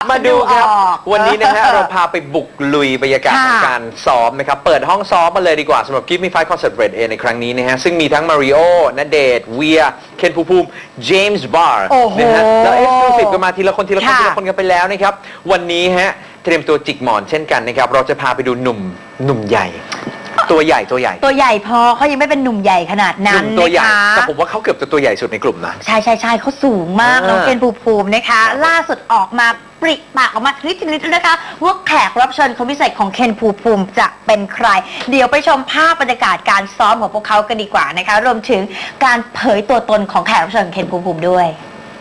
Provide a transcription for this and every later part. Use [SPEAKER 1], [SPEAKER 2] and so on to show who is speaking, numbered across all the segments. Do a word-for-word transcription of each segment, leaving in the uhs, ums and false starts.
[SPEAKER 1] มาดูครับวันนี้นะฮะเราพาไปบุกลุยบรรยากาศของการซ้อมนะครับเปิดห้องซ้อมมาเลยดีกว่าสำหรับ Give Me Five Concert Red A ในครั้งนี้นะฮะซึ่งมีทั้งมาริโอณเดชน์เวียเคนภูมิภูมิเจมส์บาร์นะฮะแล้วเอ็กซ์คลูซีฟกันมาทีละคนทีละคนทีละคนกันไปแล้วนะครับวันนี้ฮะเตรียมตัวจิกหมอนเช่นกันนะครับเราจะพาไปดูหนุ่มหนุ่มใหญ่ตัวใหญ่ตัวใหญ่
[SPEAKER 2] ตัวใหญ่พอเขายังไม่เป็นหนุ่มใหญ่ขนาดนั้น
[SPEAKER 1] ตัวใหญ่
[SPEAKER 2] นะคะ
[SPEAKER 1] แต่ผมว่าเขาเกือบจะตัวใหญ่สุดในกลุ่มนะ
[SPEAKER 2] ใช่ใช่ใช่เขาสูงมากน้องเคนภูมิภูมินะคะล่าสุดออกมาปริปากออกมานิดนิดนะคะว่าแขกรับเชิญคนพิเศษของเคนภูมิภูมิจะเป็นใครเดี๋ยวไปชมภาพบรรยากาศการซ้อมของพวกเขากันดีกว่านะคะรวมถึงการเผยตัวตนของแขกรับเชิญเคนภูมิภูมิด้วย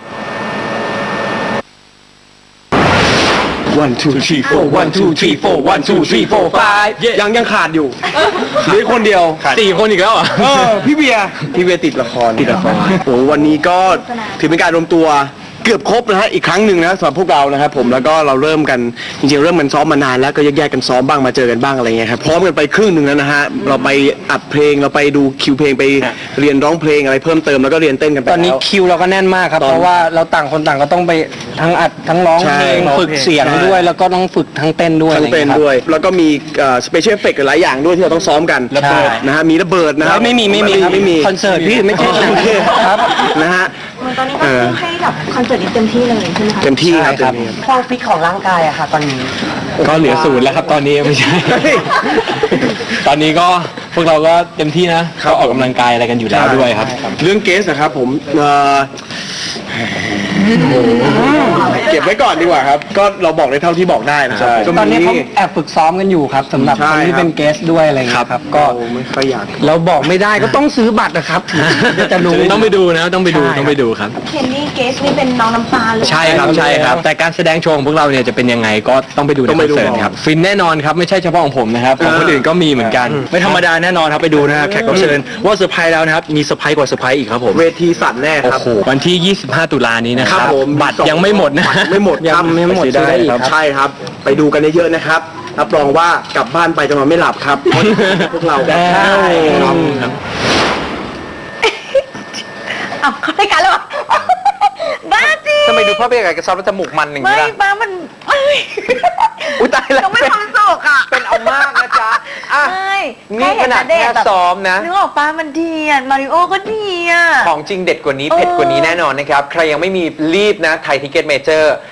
[SPEAKER 3] one two three four one two three four one two three four five ยังยังขาดอยู่เหลือคนเดียว
[SPEAKER 1] สี่คนอีกแล้วอ่ะ
[SPEAKER 3] เออพี่เบียร์พี่เบียร์ติดละครติดละครโอ้วันนี้ก็ถือเป็นการรวมตัวเกือบครบนะฮะอีกครั้งหนึ่งนะสำหรับพวกเรานะครับผมแล้วก็เราเริ่มกันจริงๆเริ่มกันซ้อมมานานแล้วก็แยกๆกันซ้อมบ้างมาเจอกันบ้างอะไรเงี้ยครับพร้อมกันไปครึ่งหนึ่งแล้วนะฮะเราไปอัดเพลงเราไปดูคิวเพลงไปเรียนร้องเพลงอะไรเพิ่มเติมแล้วก็เรียนเต้นกันไป
[SPEAKER 4] ตอนนี้คิวเราก็แน่นมากครับเพราะว่าเราต่างคนต่างก็ต้องไปทั้งอัดทั้งร้องเพลงฝึกเสียงด้วยแล้วก็ต้องฝึกทั้งเต้นด้วย
[SPEAKER 3] ทั้งเต้นด้วยแล้วก็มีสเปเชียลเอฟเฟกต์หลายอย่างด้วยที่เราต้องซ้อมกัน
[SPEAKER 4] ระเบิด
[SPEAKER 3] นะฮะมีระเบิดนะฮะ
[SPEAKER 4] ไม่มีไม่มี
[SPEAKER 3] ไม่มี
[SPEAKER 4] คอนเสิร์ตพี่ไม่ใช่
[SPEAKER 3] ครับนะฮะ
[SPEAKER 2] ตอนนี้ก็ให้แบบคอนเสิร์ตนี้เต็มที่เลยใช่ไหมคะ
[SPEAKER 3] เต็มที่ครับเต็มที่
[SPEAKER 2] ความฟิตของร่างกายอะค่ะตอนนี้
[SPEAKER 4] ก็เหลือศูนย์แล้วครับตอนนี้ไม่ใช่ตอนนี้ก็พวกเราก็เต็มที่นะก็ออกกำลังกายอะไรกันอยู่แล้วด้วยครับ
[SPEAKER 3] เรื่องเกสนะครับผมเก็บไว้ก่อนดีกว่าครับก็เราบอกได้เท่าที่บอกได้นะครับ
[SPEAKER 4] ตอนนี้เขาแอบฝึกซ้อมกันอยู่ครับสำหรับคนที่เป็นเกสด้วยอะไรเงี้ยครับก็
[SPEAKER 3] ไม่ค่อยอยาก
[SPEAKER 4] เราบอกไม่ได้ก็ต้องซื้อบัตรนะครับจะรู้ต้องไปดูนะต้องไปดูต้องไปดูครับ
[SPEAKER 2] เคนนี่เกสนี่เป็นน้องน้ำตาลเลย
[SPEAKER 4] ใช่ครับใช่ครับแต่การแสดงโชว์ของพวกเราเนี่ยจะเป็นยังไงก็ต้องไปดูในคอนเสิร์ตครับฟินแน่นอนครับไม่ใช่เฉพาะของผมนะครับของคนอื่นก็มีเหมือนกัน
[SPEAKER 5] ไม่ธรรมดาแน่นอนครับไปดูนะครับแขกรับเชิญว่าเซอร์ไพรส์แล้วนะครับมีเซอร์ไพรส์กว่าเซอร์ไพรส์อีกครับผม
[SPEAKER 3] เวทีสั่นแน่ครับ
[SPEAKER 5] วันที่ยี่สิบห้าตุลานี้นะครับบัตรยังไม่หมดนะ
[SPEAKER 3] ไม่หมด
[SPEAKER 4] ยังไม่หมด
[SPEAKER 3] ได้ครับใช่ครับไปดูกันเยอะๆนะครับรับรองว่ากลับบ้านไปจะนอนไม่หลับครับพวกเราได้
[SPEAKER 2] ครับอ้าวเขาได้กันแล้วบ้าจริง
[SPEAKER 1] ทำไมดูภาพบรรยากาศการซ้อมแล้วจมูกมันอย่างนี้
[SPEAKER 2] ล่ะไม่บ้ามัน
[SPEAKER 1] อุ้ยตายแล้ว
[SPEAKER 2] ไม่ความสุขอ่ะ
[SPEAKER 1] เป็นเอามากนะจ๊ะอ่ะนี่ขนาดแค่ซ้อมนะ
[SPEAKER 2] นึกออกป้ามันดีอ่ะมาริโอก็ดีอ่ะ
[SPEAKER 1] ของจริงเด็ดกว่านี้เผ็ดกว่านี้แน่นอนนะครับใครยังไม่มีรีบนะไทยทิเก็ตเมเจอร์